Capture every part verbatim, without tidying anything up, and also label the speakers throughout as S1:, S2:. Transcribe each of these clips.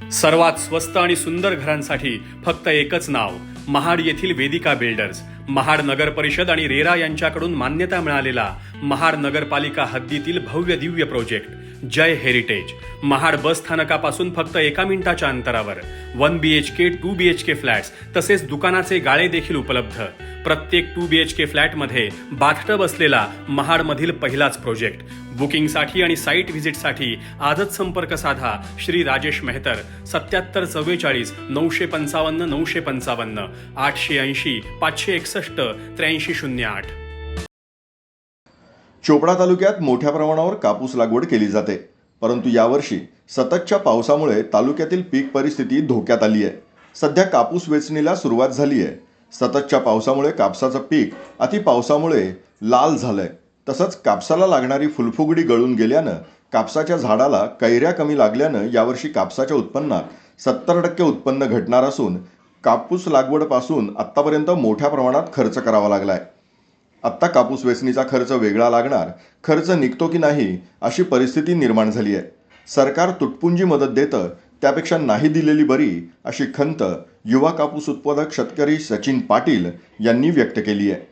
S1: सर्वात स्वस्त आणि सुंदर घरांसाठी फक्त एकच नाव, महाड येथील वेदिका बिल्डर्स. महाड नगर परिषद आणि रेरा यांच्याकडून मान्यता मिळालेला महाड नगरपालिका हद्दीतील भव्य दिव्य project Jay heritage. Mahad bus स्थानकापासून फक्त एका मिनिटाच्या अंतरावर one B H K two B H K flats तसेच दुकानाचे गाळे देखील उपलब्ध. प्रत्येक टू बी एच के फ्लॅटमध्ये बाथटब असलेला महाडमधील पहिलाच प्रोजेक्ट. बुकिंगसाठी आणि साईट व्हिजिटसाठी आजच संपर्क साधा श्री राजेश मेहतर. सत्याहत्तर चव्वेचाळीस नऊशे पंचावन्न नऊशे पंचावन्न आठशे ऐंशी पाचशे एकसष्ट त्र्याऐंशी शून्य आठ.
S2: चोपडा तालुक्यात मोठ्या प्रमाणावर कापूस लागवड केली जाते, परंतु यावर्षी सततच्या पावसामुळे तालुक्यातील पीक परिस्थिती धोक्यात आली आहे. सध्या कापूस वेचणीला सुरुवात झाली आहे. सततच्या पावसामुळे कापसाचं पीक अति पावसामुळे लाल झालंय. तसंच कापसाला लागणारी फुलफुगडी गळून गेल्यानं कापसाच्या झाडाला कैऱ्या कमी लागल्यानं यावर्षी कापसाच्या उत्पन्नात सत्तर टक्के उत्पन्न घटणार असून कापूस लागवडपासून आत्तापर्यंत मोठ्या प्रमाणात खर्च करावा लागलाय. आत्ता कापूस वेचणीचा खर्च वेगळा लागणार, खर्च निघतो की नाही अशी परिस्थिती निर्माण झाली आहे. सरकार तुटपुंजी मदत देतं, त्यापेक्षा नाही दिलेली बरी अशी खंत युवा कापूस उत्पादक शेतकरी सचिन पाटील यांनी व्यक्त केली आहे.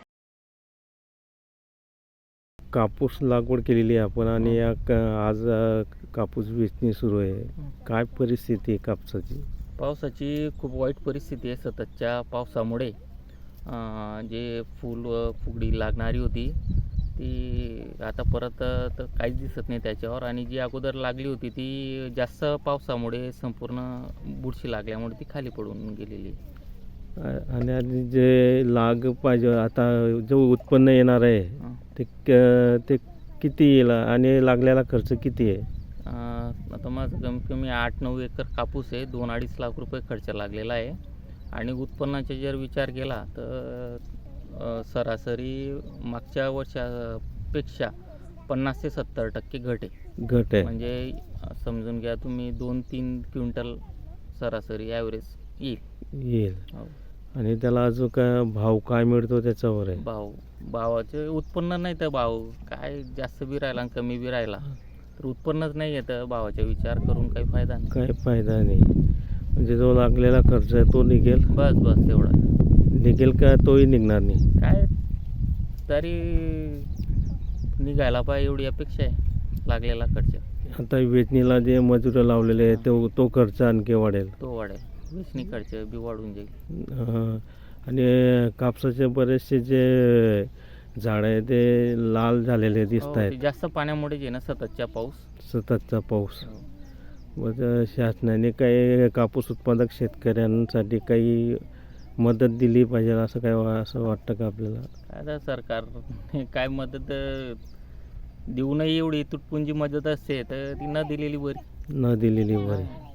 S3: कापूस लागवड केलेली आहे आपण आणि या आज कापूस वेचणी सुरू आहे. काय परिस्थिती आहे कापसाची?
S4: पावसाची खूप वाईट परिस्थिती आहे. सततच्या पावसामुळे जे फूल व फुगडी लागणारी होती ती आता परत तर काहीच दिसत नाही त्याच्यावर, आणि जी अगोदर लागली होती ती जास्त पावसामुळे संपूर्ण बुरशी लागल्यामुळे ती खाली पडून गेलेली.
S3: आणि आणि जे लाग पाहिजे आता जो उत्पन्न येणार आहे ते ते किती येईल आणि लागलेला खर्च किती आहे?
S4: आता माझं कमीत कमी आठ नऊ एकर कापूस आहे. दोन अडीच लाख रुपये खर्च लागलेला आहे. आणि उत्पन्नाचा जर विचार केला तर सरासरी मागच्या वर्षापेक्षा पन्नास ते सत्तर टक्के घट आहे.
S3: घट आहे
S4: म्हणजे समजून घ्या तुम्ही दोन तीन क्विंटल सरासरी ॲव्हरेज येईल
S3: येईल आणि त्याला अजून काय भाव काय मिळतो त्याच्यावर आहे.
S4: भाव भावाचे उत्पन्न नाही तर भाव काय जास्त बी राहिला आणि कमी बी राहिला तर उत्पन्नच नाही येतं. भावाचा विचार करून काही फायदा नाही.
S3: काही फायदा नाही. म्हणजे जो लागलेला खर्च आहे तो निघेल,
S4: बस बस तेवढा
S3: निघेल का तोही निघणार नाही.
S4: काय तरी निघायला पाहिजे एवढी अपेक्षा आहे. लागलेला खर्च
S3: आता वेचणीला जे मजूर लावलेले आहे तो तो खर्च आणखी वाढेल.
S4: तो वाढेल. वेचणी खर्च बी वाढून जाईल.
S3: आणि कापसाचे बरेचसे जे झाड आहे ते लाल झालेले दिसत आहेत.
S4: जास्त पाण्यामुळे जे ना सततच्या पाऊस
S3: सततचा पाऊस. मग शासनाने काही कापूस उत्पादक शेतकऱ्यांसाठी काही मदत दिली पाहिजे असं काय असं वाटतं का आपल्याला?
S4: काय सरकार काय मदत देऊ नये एवढी तुटपुंजी मदत असते तर ती न दिलेली बरी.
S3: न दिलेली बरी.